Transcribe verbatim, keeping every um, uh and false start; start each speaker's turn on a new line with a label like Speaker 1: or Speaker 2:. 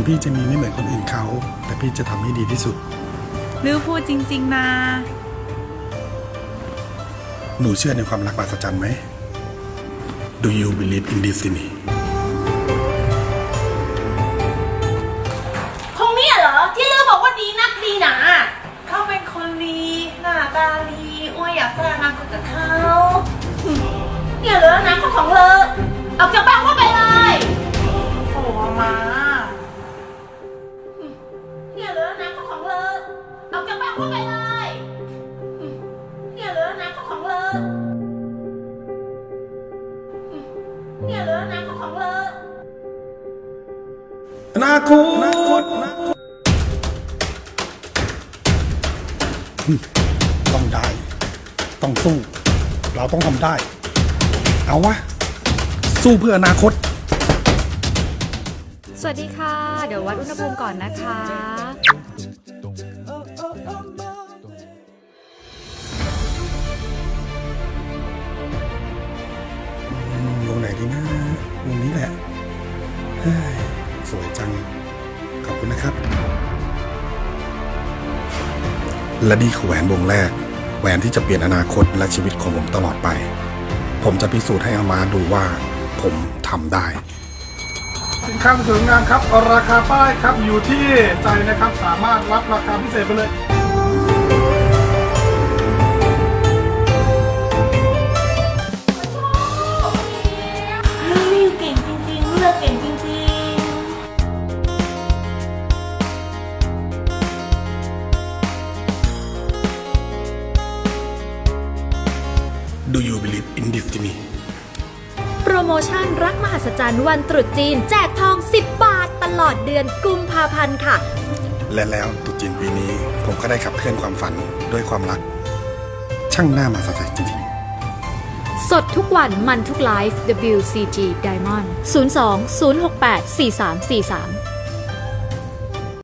Speaker 1: พี่จะมีไม่เหมือนคนอื่นเขาแต่พี่จะทำให้ดีที่สุด
Speaker 2: ลือพูดจริงๆนะ
Speaker 1: หนูเชื่อในความรักมหัศจรรย์ไหม Do you believe in destiny
Speaker 3: คงเนี่ยเหรอที่ลือบอกว่าดีนักดีหนา
Speaker 2: เขาเป็นคนดีหน้าตาดีอ้วยอยากสร้างอนาคตกับเขา
Speaker 3: เนี่ยเหรอนะคนของเลอออกจากบ้านว่าไปเลย
Speaker 2: โอ้มา
Speaker 3: เนี่ยเหรอนะคนของเลอออกจากบ้านว่าไปเลยเนี่ยเหรอนะคนของเลอเนี่ยเหรอนะคนของเลอ
Speaker 1: อนาคตต้องได้ต้องสู้เราต้องทำได้เอาวะสู้เพื่ออนาคต
Speaker 4: สวัสดีค่ะ เดี๋ยววัดอุณหภูมิก่อนนะคะ
Speaker 1: วงไหนดีนะวงนี้แหละเฮ้ยสวยจังขอบคุณนะครับและนี่คือแหวนวงแรกแหวนที่จะเปลี่ยนอนาคตและชีวิตของผมตลอดไปผมจะพิสูจน์ให้อามาดูว่าผมทำได้สินค้าสวยงามครับราคาป้ายครับอยู่ที่ใจนะครับสามารถรับราคาพิเศษไปเลย
Speaker 3: ลือเก่งจริงๆเลือกเก่งจริงๆ
Speaker 1: Do you believe in destiny
Speaker 4: โปรโมชั่นรักมหัศจรรย์วันตรุษจีนแจกทองสิบบาทตลอดเดือนกุมภาพันธ์ค่ะ
Speaker 1: และแล้วตรุษจีนปีนี้ผมก็ได้ขับเคลื่อนความฝันด้วยความรักช่างหน้ามาสะใจจริงๆ
Speaker 4: สดทุกวันมันทุกไลฟ์ ดับเบิลยู ซี จี Diamond ศูนย์ สอง ศูนย์ หก แปด สี่ สาม สี่ สาม